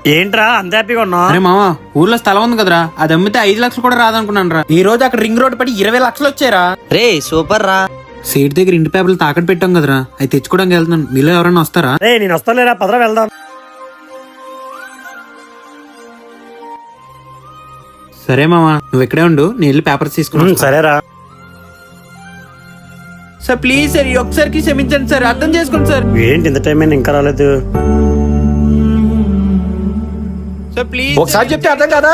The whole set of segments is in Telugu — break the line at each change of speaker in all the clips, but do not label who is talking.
ఏంట్రా అంత హ్యాపీగా ఉన్నావు?
అరే మామ, ఊర్లో స్థలం ఉంది కదరా, అది అమ్మితే 5 లక్షలు కూడా రాదనుకున్నాను రా. ఈ రోజు అక్కడ రింగ్ రోడ్ పడి 20 లక్షలు వచ్చారా.
రే సూపర్ రా.
సీట్ దగ్గర ఇంటి పేపర్లు తాకట్టు పెట్టాం కదరా, అవి తెచ్చుకోవడానికి వెళ్తున్నాను. మీలో ఎవరైనా వస్తారా?
రే నేను వస్తానులేరా, పదరా వెళ్దాం.
సరే మామ, నువ్వు ఇక్కడే ఉండు, నేను వెళ్ళి పేపర్స్ తీసుకున్నాను.
సరేరా.
సార్ ప్లీజ్ సార్, ఈ ఒక్కసారికి క్షమించండి సార్, అర్థం చేసుకోండి సార్.
ఏంటి ఇంత టైం అయింది ఇంకా రాలేదు?
Sir please.
ఒకసారి చెప్తే అర్థం కదా?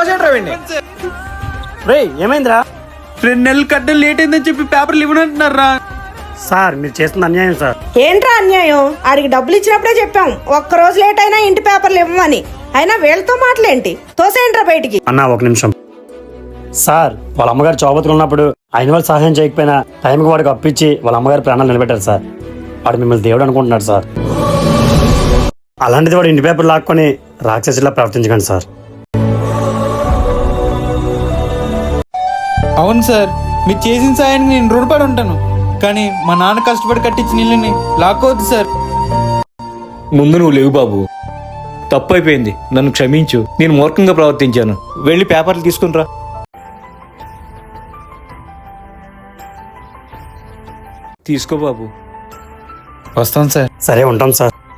రే ఏమైందిరా?
2 నెలలు కట్టడం లేట్ అయిందని చెప్పి పేపర్లు ఇవ్వనంటున్నారా.
సార్ మీరు చేస్తున్న అన్యాయం సార్.
ఏంట్రా అన్యాయం? ఆడికి డబ్బులు ఇచ్చినప్పుడే చెప్పాం ఒక్క రోజు లేట్ అయినా ఇంటి పేపర్లు ఇవ్వమని. అయినా వీళ్ళతో మాటలేంటి? తోసేయంట్రా బయటికి.
అన్నా ఒక నిమిషం. సార్ వాళ్ళ అమ్మగారు చౌబతుకున్నప్పుడు ఆయన వాళ్ళు సహాయం చేయకపోయినా టైంకి వాడికి అప్పించి వాళ్ళ అమ్మగారి ప్రాణాలు నిలబెట్టారు సార్. వాడు మిమ్మల్ని దేవుడు అనుకుంటున్నాడు సార్. అలాంటిది వాడు ఇంటి పేపర్ లాక్కొని రాక్షసులా ప్రవర్తించకండి సార్.
అవును సార్, మీరు చేసిన సాయానికి నేను రుణపడి ఉంటాను, కానీ మా నాన్న కష్టపడి కట్టించిన ఇల్లుని లాక్కోవద్దు సార్.
ముందు నువ్వు లేవు బాబు, తప్పు అయిపోయింది, నన్ను క్షమించు. నేను మూర్ఖంగా ప్రవర్తించాను. వెళ్ళి పేపర్లు తీసుకునిరా. తీసుకో బాబు.
వస్తాను సార్.
సరే ఉంటాం సార్.